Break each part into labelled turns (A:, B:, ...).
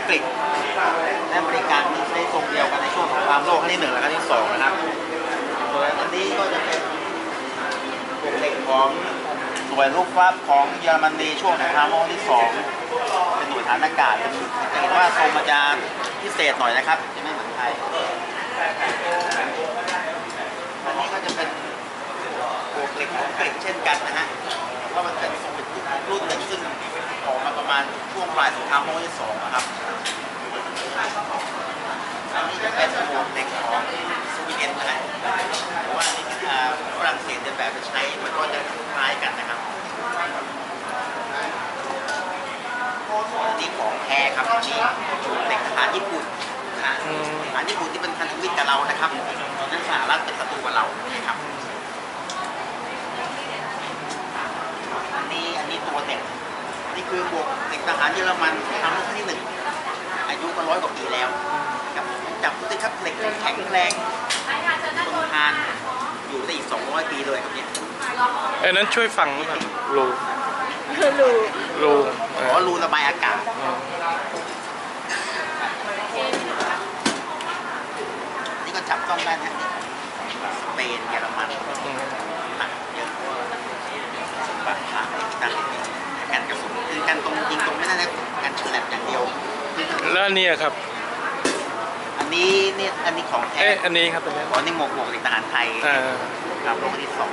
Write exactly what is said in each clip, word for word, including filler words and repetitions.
A: กฤษและบริการใช้ทรงเดียวกันในช่วงสงครามโลกครั้งที่หนึ่งและครั้งที่สองนะครับส่วนอันนี้ก็จะเป็นพวกเหล็กของหน่วยลูกฟ้าของเยอรมนีช่วงสงครามโลกที่สองเป็นหน่วยฐานอากาศจะเห็นว่าทรงมันจะพิเศษหน่อยนะครับจะไม่เหมือนไทยอันนี้ก็จะเป็นพวกเหล็กของอังกฤษเช่นกันนะฮะเพราะมันเป็นทรงเป็นรุ่นหนึ่งซึ่งออกมาประมาณช่วงปลายสงครามโลกที่สองนะครับอันนี้จะเป็นพวกเหล็กของสวีเดนนะฮะเพราะว่านี่ฝรั่งเศสเดินแบบไปใช้มันก็จะคล้ายกันนะครับอันนี้ของแท้ครับนี่เหล็กทหารญี่ปุ่นนะฮะทหารญี่ปุ่นที่เป็นพันธมิตรกับเรานะครับนั่นสหรัฐเป็นศัตรูกับเรานะครับอันนี้อันนี้ตัวเด็กนี่คือบวกเด็กทหารเยอรมันทำรุ่นที่หนึ่งอายุก็ร้อยกว่าปีแล้วครับจับดูสิครับเหล็กแข็งแรงทนทานอยู่ได้อีกสองร้อยปีเลยครับเนี่ย
B: ไอ้นั้นช่วยฟังครับรู
C: รู
B: รู
A: อ๋อรูระบายอากาศนี่ก็จับต้องได้นะสเปนเยอรมันหนักเยอะสมบัติพระต่างๆการกระสุนคือการตรงยิงตรงไม่ได้นะการฉลับอย่างเดียว
B: แล้วอันนี้ครับ
A: อันนี้เนี่ยอันนี้ของแท้
B: เอ๊ะอันนี้ครับตัวนี้
A: อ๋อนี่หมวกหมวกทหารไทยครับโลกที่สอง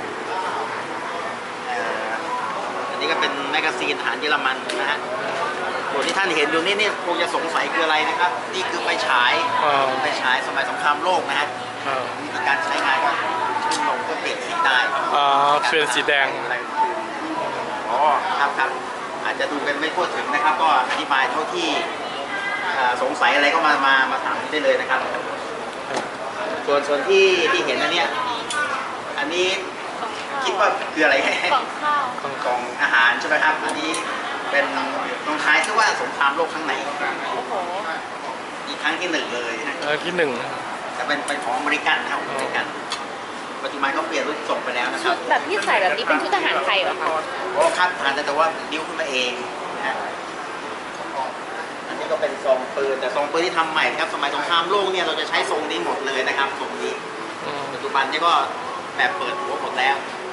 A: อันนี้ก็เป็นแมกกาซีนทหารเยอรมันนะฮะส่วนที่ท่านเห็นอยู่นี่นี่คงจะสงสัยคืออะไรนะครับนี่คือไฟฉายไฟฉายสมัยสงครามโลกนะฮะวิธีการใช้งานก็ขึ้นลงก็เปลี่ยนสีได้
B: อ๋อเปลี่ยนสีแดง
A: อ๋อครับครับอาจจะดูกันไม่ทั่วถึงนะครับก็อธิบายเท่าที่สงสัยอะไรก็มามามาถามได้เลยนะครับส่วนส่วนที่ที่เห็นอันเนี้ยอันนี้คิดว่าคืออะไร
C: กล่องข้าว
A: กล่องอาหารใช่ไหมครับอันนี้เป็นตรงท้ายชื่อว่าสงครามโลกครั้งไหน
C: โอ้โห
A: อีกครั้งที่หนึ่งเลย
B: เออที่หนึ่ง
A: จะเป็นเป็นของอเมริกันนะครับอเมริกันปัจจุบันเขาเปลี่ยนรูปส่งไปแล้วนะครับ
C: ชุดแบบที่ใส่แบบนี้เป็นชุดทหารไทยเหรอคะ
A: โอ้ครับทหารแต่ว่าดิ้วขึ้นมาเองนะอันนี้ก็เป็นทรงปืนแต่ทรงปืนที่ทำใหม่ครับสมัยสงครามโลกเนี่ยเราจะใช้ทรงนี้หมดเลยนะครับทรงนี้ปัจจุบันนี่ก็แบบเปิดหัวหมดแล้ว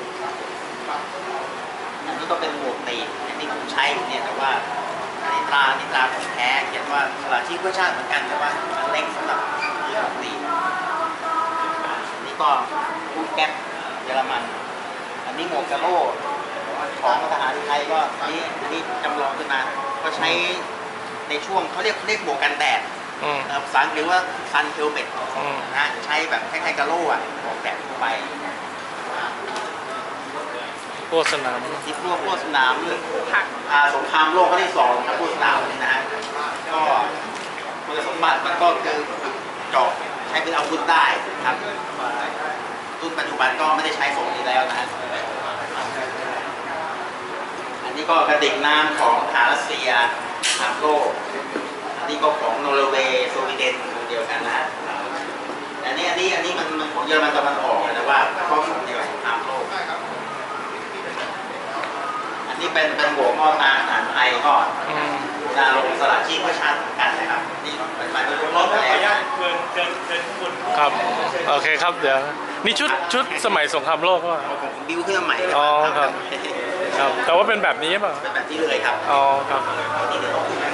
A: อันนี้ก็เป็นหมวกตีอันนี้ผมใช้เนี่ยแต่ว่าอันนี้ตราอันนี้ตราของแท้เขียนว่าสละชีพเพื่อชาติเหมือนกันแต่ว่าอันเล็กสำหรับหมวกตีอันนี้ก็ลูกแก๊ปเยอรมันอันนี้หมวกกะโล่ของทหารไทยก็นี่นี่จำลองขึ้นมาก็ใช้ในช่วงเขาเรียกเรียกหมวกกันแดดภาษาอังกฤษว่าซันเฮลเมตนะใช้แบบคล้ายๆกะโล่อะหมวกแดดทั่วไป
B: พวกสนาม
A: ที่พวกพวกสนามสงครามโลกครั้งที่สองครับพวกสนามนี่นะฮะก็คุณสมบัติมันก็คือเจาะใช้เป็นอาวุธได้ครับรุ่นปัจจุบันก็ไม่ได้ใช้ทรงนี้แล้วนะฮะอันนี้ก็กระดิ่งน้ำของทหารรัสเซียสามโลกอันนี้ก็ของนอร์เวย์สวีเดนเดียวกันนะอันนี้อันนี้อันนี้มันมันของเยอรมันตะวันออกนะว่าข้อสงเดียวกับสงครามโลกอันนี้เป็นเป็นหัวข้อตาทหารไทยก็จะลงสละชีพเพื่อชาติกันนะครับนี่เป็นหมายเป็นรอบไปแล้ว
B: ครับโอเคครับเดี๋ยวนี่ชุดชุดสมัยสงครามโลกก็
A: ผมบิวขึ้นมาใหม่
B: อ๋อครับครับแต่ว่าเป็นแบบนี้ป่ะ
A: เป็นแบบนี้เลยครับ
B: อ๋อครับ